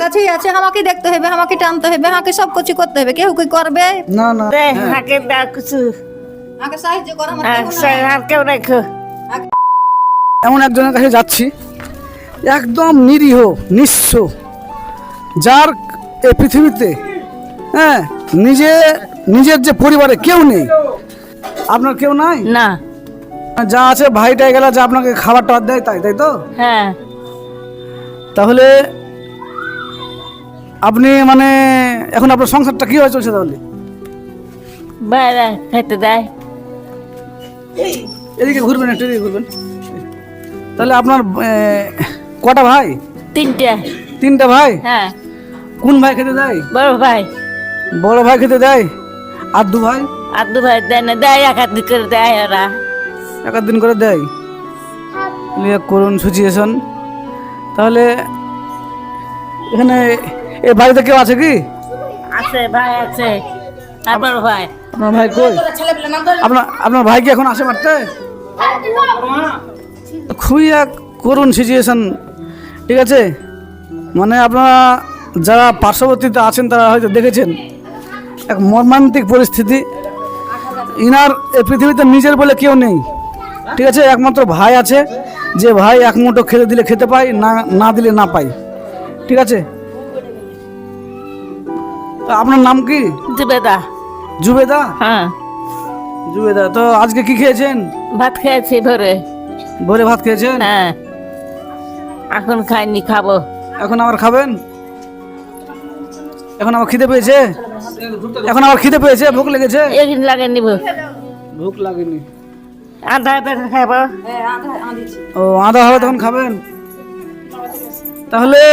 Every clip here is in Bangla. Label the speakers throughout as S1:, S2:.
S1: কাছেই আছে, আমাকে দেখতে হবে, আমাকে টানতে হবে, আমাকে সব কিছু করতে হবে। কেউ কি করবে?
S2: না না
S3: হাকে দাও কিছু
S1: আমাকে সাহায্য করো, আমার কেউ নাই।
S3: আর কেউ রেখো
S2: এমন একজনের কাছে যাচ্ছি, একদম নিরীহ নিঃস্ব, যার এই পৃথিবীতে হ্যাঁ নিজের যে পরিবারে কেউ নেই। আপনার কেউ নাই?
S3: না।
S2: যা আছে ভাইটাই গেলা যা আপনাকে খাবার টাবার দেয়, তাই তাই তো?
S3: হ্যাঁ
S2: তাহলে আপনি মানে এখন আপনার সংসারটা কিভাবে চলছে তাহলে?
S3: বাইরে খেতে দেয়।
S2: এদিকে ঘুরবেন, একটু এদিকে ঘুরবেন। তাহলে আপনার কটা ভাই? তিনটা ভাই?
S3: হ্যাঁ।
S2: কোন ভাই খেতে দেয়?
S3: বড় ভাই।
S2: বড় ভাই খেতে দেয়। আর দু ভাই?
S3: আর দু ভাই দেয় না, দেয় এক হাত করে দেয় ওরা।
S2: এক দিন করে দেয়। করুন সিচুয়েশন। তাহলে এখানে এ বাড়িতে কেউ আছে কি?
S3: আছে ভাই আছে, আর বড় ভাই।
S2: আপনার ভাই কই? আপনার ভাই কি এখন আসে মারতে? খুবই এক করুণ সিচুয়েশন। ঠিক আছে, মানে আপনারা যারা পার্শ্ববর্তীতে আছেন তারা হয়তো দেখেছেন এক মর্মান্তিক পরিস্থিতি। ইনার এই পৃথিবীতে নিজের বলে কেউ নেই। ঠিক আছে, একমাত্র ভাই আছে, যে ভাই এক মুঠো খেতে দিলে খেতে পায়, না দিলে না পাই। ঠিক আছে, তো আপনার নাম কি?
S3: জুবেদা।
S2: জুবেদা?
S3: হ্যাঁ।
S2: জুবেদা, তো আজকে কি খেয়েছেন?
S3: ভাত খেয়েছি ভোরে।
S2: ভোরে ভাত খেয়েছেন?
S3: হ্যাঁ। এখন খাইনি, খাবো।
S2: এখন আবার খাবেন? এখন আবার খিদে পেয়েছে? এখন আবার খিদে পেয়েছে, ভুক লেগেছে?
S3: একদিন লাগে নিব।
S2: ভুক লাগেনি?
S3: আধা আধা খাবো।
S2: ও আধা হবে তখন খাবেন? তাহলে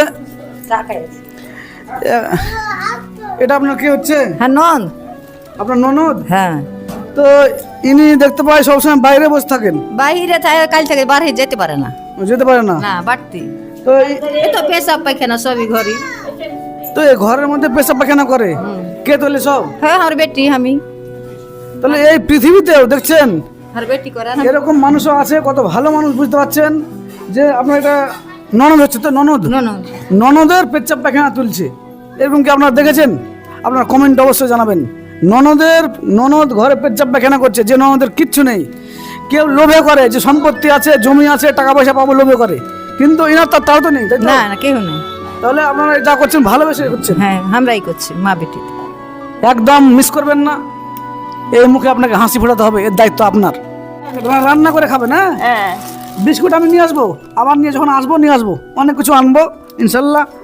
S2: এটা আপনার কি হচ্ছে?
S1: হ্যাঁ, নন।
S2: আপনার ননদ?
S1: হ্যাঁ।
S2: তো ইনি দেখতে পাই সবসময় বাইরে বসে থাকেন।
S1: বাইরে কাল থেকে বাইরে যেতে পারে না।
S2: যেতে পারে না?
S1: না, বাড়তি।
S2: তো
S1: এই তো পেশাব পায়খানা সবই ঘরে।
S2: তো এই ঘরের মধ্যে পেশাব পায়খানা করে কে তোলে সব?
S1: হ্যাঁ, আমার বেটি আমি।
S2: তাহলে এই পৃথিবীতেও দেখছেন
S1: আর বেটি করে না।
S2: এরকম মানুষও আছে, কত ভালো মানুষ, বুঝতে পারছেন যে আপনার এটা ননদ হচ্ছে, তো ননদ ননদের পেচ্ছাপ পায়খানা তুলছে, এরকম কি আপনারা দেখেছেন? আপনার কমেন্ট অবশ্যই জানাবেন। ননদ ঘরে পেচ্ছাপ পায়খানা করছে, যে ননদের কিচ্ছু নেই। কেউ লোভে করে যে সম্পত্তি আছে, জমি আছে, টাকা পয়সা পাবো লোভে করে, কিন্তু এনার তাও তো নেই, তাই তো?
S1: না না, কেউ নেই।
S2: তাহলে আপনারা যা করছেন ভালোবেসে করছেন।
S1: হ্যাঁ, আমরাই করছি, মা বেটি।
S2: একদম মিস করবেন না, এই মুখে আপনাকে হাসি ফোটাতে হবে, এর দায়িত্ব আপনার। রান্না করে খাবেন? হ্যাঁ।
S3: হ্যাঁ।
S2: বিস্কুট আমি নিয়ে আসবো, আবার যখন আসবো নিয়ে আসবো, অনেক কিছু আনবো ইনশাল্লাহ।